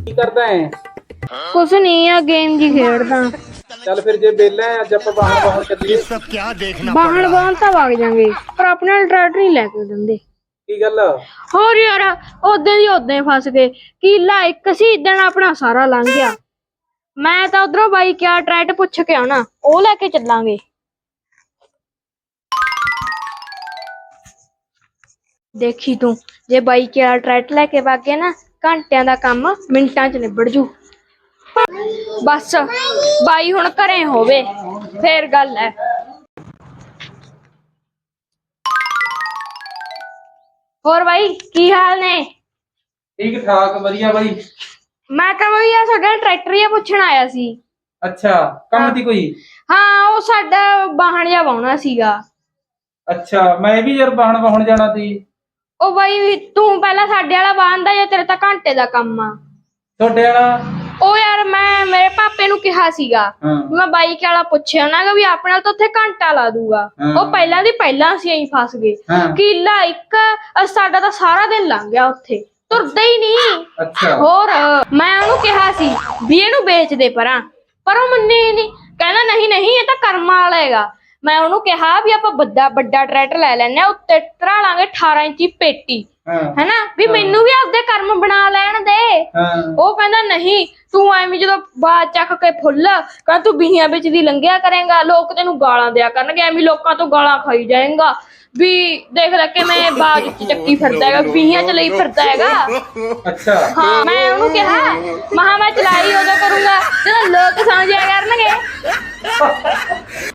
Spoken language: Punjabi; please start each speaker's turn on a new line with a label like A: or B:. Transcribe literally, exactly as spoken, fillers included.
A: ਕੀ ਕਰਦਾ ਹੈ?
B: ਕੁਛ ਨਹੀਂ ਆ, ਗੇਮ ਜੀ ਖੇਡਦਾ।
A: ਚੱਲ ਫਿਰ ਜੇ ਵਿਹਲਾ ਹੈ ਅੱਜ ਆਪਾਂ ਬਾਹਰ ਬਾਹਰ ਚੱਲੀਏ।
C: सब क्या देखना पड़
B: ਬਾਹਣ
C: रहा है।
B: ਬਾਹਣ ਤਾਂ ਵਗ ਜਾਂਗੇ, ਪਰ ਆਪਣੇ ਨਾਲ ਟਰੈਕਟਰ ਨਹੀਂ ਲੈ ਕੇ ਦਿੰਦੇ।
A: ਕੀ ਗੱਲ?
B: ਹੋਰ ਯਾਰ, ਉਦੋਂ ਦੀ ਉਦੋਂ ਹੀ ਫਸ ਗਏ। ਕੀਲਾ ਇੱਕ ਸੀ, ਦਿਨ ਆਪਣਾ ਸਾਰਾ ਲੰਘ ਗਿਆ। ਮੈਂ ਤਾਂ ਉਧਰੋਂ ਬਾਈ ਕਿਆ ਟਰੈਕਟਰ ਪੁੱਛ ਕੇ ਆਉਣਾ, ਉਹ ਲੈ ਕੇ ਚੱਲਾਂਗੇ। ਦੇਖੀ ਤੂੰ, ਜੇ ਬਾਈ ਕਿਆ ਟਰੈਕਟਰ ਲੈ ਕੇ ਵਗ ਗਏ ਨਾ, ਘੰਟਿਆਂ ਦਾ ਕੰਮ ਮਿੰਟਾਂ 'ਚ ਨਿਬੜ ਜੂ। ਬਸ ਬਾਈ ਹੁਣ ਘਰੇ ਹੋਵੇ ਫੇਰ ਗੱਲ ਹੈ। ਹੋਰ ਬਾਈ ਕੀ ਹਾਲ ਨੇ?
A: ਠੀਕ ਠਾਕ, ਵਧੀਆ ਬਾਈ।
B: ਮੈਂ ਤਾਂ ਬਈ ਆ ਸਾਡਾ ਟਰੈਕਟਰ ਹੀ ਪੁੱਛਣ ਆਇਆ ਸੀ।
A: ਅੱਛਾ, ਕੰਮ ਦੀ ਕੋਈ?
B: ਹਾਂ, ਉਹ ਸਾਡਾ ਵਾਹਣ ਜਿਹਾ ਵਾਹੁਣਾ ਸੀਗਾ।
A: ਅੱਛਾ, ਮੈਂ ਵੀ ਯਾਰ ਬਾਹਣ ਵਾਹੁਣ ਜਾਣਾ ਸੀ।
B: ਉਹ ਬਾਈ ਤੂੰ ਪਹਿਲਾਂ ਸਾਡੇ ਵਾਲਾ ਵਾਹਣਦਾ ਜਾਂ ਤੇਰੇ ਤਾਂ ਘੰਟੇ ਦਾ ਕੰਮ ਆ?
A: ਤੁਹਾਡੇ ਵਾਲਾ?
B: ਉਹ ਯਾਰ ਮੈਂ ਮੇਰੇ ਪਾਪੇ ਨੂੰ ਕਿਹਾ ਸੀਗਾ
A: ਹਾਂ।
B: ਮੈਂ ਬਾਈਕ ਵਾਲਾ ਪੁੱਛਿਆ ਨਾ ਵੀ ਆਪਣੇ ਨਾਲ ਤਾਂ ਉੱਥੇ ਘੰਟਾ ਲਾ ਦੂਗਾ।
A: ਹਾਂ।
B: ਉਹ ਪਹਿਲਾਂ ਦੀ ਪਹਿਲਾਂ ਅਸੀਂ ਐਂ ਫਸ ਗਏ।
A: ਹਾਂ।
B: ਕਿੱਲਾ ਇੱਕ ਅਹ ਸਾਡਾ ਤਾਂ ਸਾਰਾ ਦਿਨ ਲੰਘ ਗਿਆ ਉੱਥੇ, ਤੁਰਦਾ ਹੀ ਨਹੀਂ।
A: ਅੱਛਾ।
B: ਹੋਰ ਮੈਂ ਉਹਨੂੰ ਕਿਹਾ ਸੀ ਵੀ ਇਹਨੂੰ ਵੇਚ ਦੇ ਪਰਾਂ, ਪਰ ਉਹ ਮੰਨੇ ਹੀ ਨਹੀਂ। ਕਹਿੰਦਾ ਨਹੀਂ ਨਹੀਂ, ਇਹ ਤਾਂ ਕਰਮਾਂ ਵਾਲਾ ਹੈਗਾ। ਮੈਂ ਉਹਨੂੰ ਕਿਹਾ ਵੀ ਆਪਾਂ ਵੱਡਾ ਵੱਡਾ ਟਰੈਕਟਰ ਲੈ ਲੈਨੇ ਆ, ਉੱਤੇ ਧਰਾ ਲਾਂਗੇ ਅਠਾਰਾਂ ਇੰਚੀ ਪੇਟੀ, ਹੈਨਾ, ਵੀ ਮੈਨੂੰ ਵੀ ਆਪਦੇ ਕਰਮ ਬਣਾ ਲੈਣ ਦੇ। ਉਹ ਕਹਿੰਦਾ ਨਹੀਂ, ਤੂੰ ਐਵੇਂ ਜਦੋਂ ਬਾਜ ਚੱਕ ਕੇ ਫੁੱਲ ਕਹਿੰਦਾ ਤੂੰ ਬੀਹੀਆਂ ਵਿੱਚ ਦੀ ਲੰਘਿਆ ਕਰੇਗਾ, ਲੋਕ ਤੈਨੂੰ ਗਾਲਾਂ ਦਿਆ ਕਰਨਗੇ, ਐਵੇਂ ਲੋਕਾਂ ਤੋਂ ਗਾਲਾਂ ਖਾਈ ਜਾਏਗਾ। ਵੀ ਦੇਖ ਲੈ ਕਿ ਮੈਂ ਬਾਜ ਚ ਚੱਕੀ ਫਿਰਦਾ ਹੈਗਾ, ਬੀਹੀਆਂ ਚ ਲਈ ਫਿਰਦਾ ਹੈਗਾ।
A: ਅੱਛਾ।
B: ਹਾਂ, ਮੈਂ ਉਹਨੂੰ ਕਿਹਾ ਮਹਾ ਮੈਂ ਚਲਾਈ ਉਦੋਂ ਕਰੂੰਗਾ ਜਦੋਂ ਲੋਕ ਸਮਝਿਆ ਕਰਨਗੇ।